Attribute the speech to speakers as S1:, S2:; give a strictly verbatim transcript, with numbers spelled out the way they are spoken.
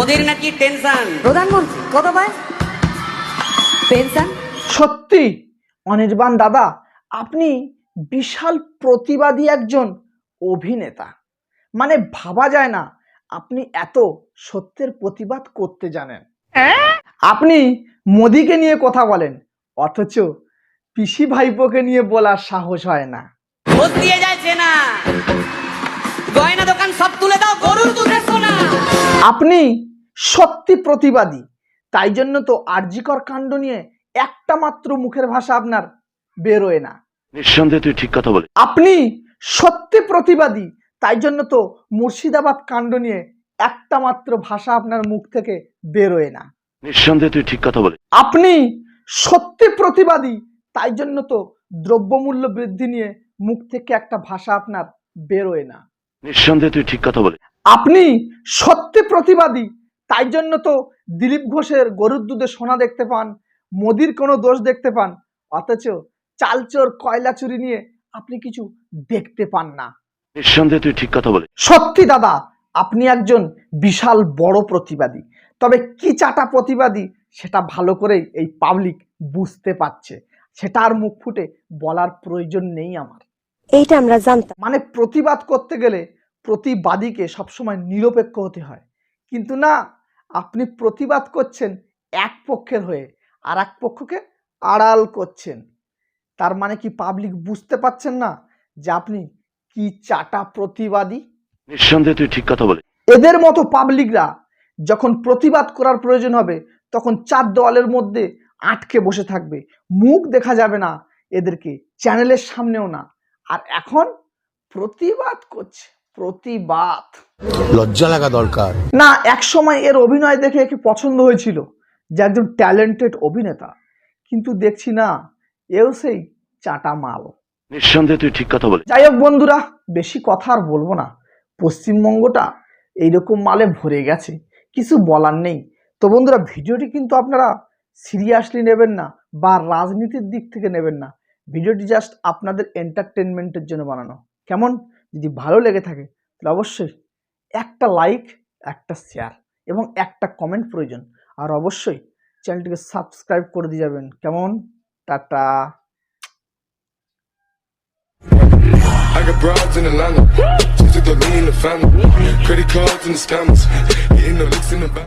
S1: মোদির নাকি টেনশন।
S2: প্রধানমন্ত্রী কত পায় পেনশন?
S3: সত্যি অনির্বাণ দাদা, আপনি বিশাল প্রতিবাদী একজন অভিনেতা। মানে ভাবা যায় না আপনি এত সত্যের প্রতিবাদ করতে জানেন। আপনি মোদিকে নিয়ে কথা বলেন, অথচ পিসি ভাইপোকে নিয়ে বলার সাহস হয় না।
S1: ঘোষ দিয়ে যাচ্ছে না, গয়না দোকান সব তুলে দাও, গরুর দুধের সোনা।
S3: আপনি সত্যি প্রতিবাদী, তাই জন্য তো আরজিকর কাণ্ড নিয়ে একটা মাত্র মুখের ভাষা আপনার বেরোয় না।
S4: নিঃসন্দেহে তুই ঠিক কথা বলে।
S3: আপনি সত্যি প্রতিবাদী, তাই জন্য তো মুর্শিদাবাদ কাণ্ড নিয়ে একটা মাত্র ভাষা আপনার মুখ থেকে বেরোয় না।
S4: নিঃসন্দেহে তুই ঠিক কথা বলে।
S3: আপনি সত্যি প্রতিবাদী, তাই জন্য তো দ্রব্যমূল্য বৃদ্ধি নিয়ে মুখ থেকে একটা ভাষা আপনার বেরোয় না।
S4: নিঃসন্দেহে তুই ঠিক কথা বলে।
S3: আপনি সত্যি প্রতিবাদী, তাই জন্য তো দিলীপ ঘোষের গরুর দুধে সোনা দেখতে পান, মোদির কোনো দোষ দেখতে পান, অথচ চালচোর কয়লা চুরি নিয়ে আপনি কিছু দেখতে পান না।
S4: নিঃসন্দেহে তুই ঠিক কথা বলে।
S3: সত্যি দাদা, আপনি একজন বিশাল বড় প্রতিবাদী, তবে কি চাটা প্রতিবাদী সেটা ভালো করেই এই পাবলিক বুঝতে পারছে, সেটা আর মুখ ফুটে বলার প্রয়োজন নেই আমার।
S2: এইটা আমরা জানতাম।
S3: মানে প্রতিবাদ করতে গেলে প্রতিবাদীকে সবসময় নিরপেক্ষ হতে হয়, কিন্তু না, আপনি প্রতিবাদ করছেন এক পক্ষের হয়ে আর এক পক্ষকে আড়াল করছেন। তার মানে কি পাবলিক বুঝতে পারছেন না যে আপনি কি চাটা প্রতিবাদী?
S4: নিঃসন্দেহে তুই ঠিক কথা বলে।
S3: এদের মতো পাবলিকরা যখন প্রতিবাদ করার প্রয়োজন হবে তখন চার দেওয়ালের মধ্যে আটকে বসে থাকবে, মুখ দেখা যাবে না এদেরকে, চ্যানেলের সামনেও না। আর এখন প্রতিবাদ করছে, প্রতিবাদ।
S5: লজ্জা লাগা দরকার।
S3: না, এক সময় এর অভিনয় দেখে একে পছন্দ হয়েছিল যে একজন ট্যালেন্টেড অভিনেতা, কিন্তু দেখছি না, এও সেই চাটা মাল।
S4: নিঃসন্দেহে তুই ঠিক কথা বলে।
S3: যাই হোক বন্ধুরা, বেশি কথা আর বলবো না, পশ্চিমবঙ্গটা এইরকম মালে ভরে গেছে, কিছু বলার নেই। তো বন্ধুরা, ভিডিওটি কিন্তু আপনারা সিরিয়াসলি নেবেন না বা রাজনীতির দিক থেকে নেবেন না, ভিডিওটি জাস্ট আপনাদের এন্টারটেনমেন্টের জন্য বানানো। কেমন? যদি ভালো লেগে থাকে তাহলে অবশ্যই একটা লাইক, একটা শেয়ার এবং একটা কমেন্ট প্রয়োজন, আর অবশ্যই চ্যানেলটিকে সাবস্ক্রাইব করে দিয়ে যাবেন। কেমন? Tata.
S6: I got broads in Atlanta, just to the lean the family, credit cards and the scammers, hitting the licks in the back.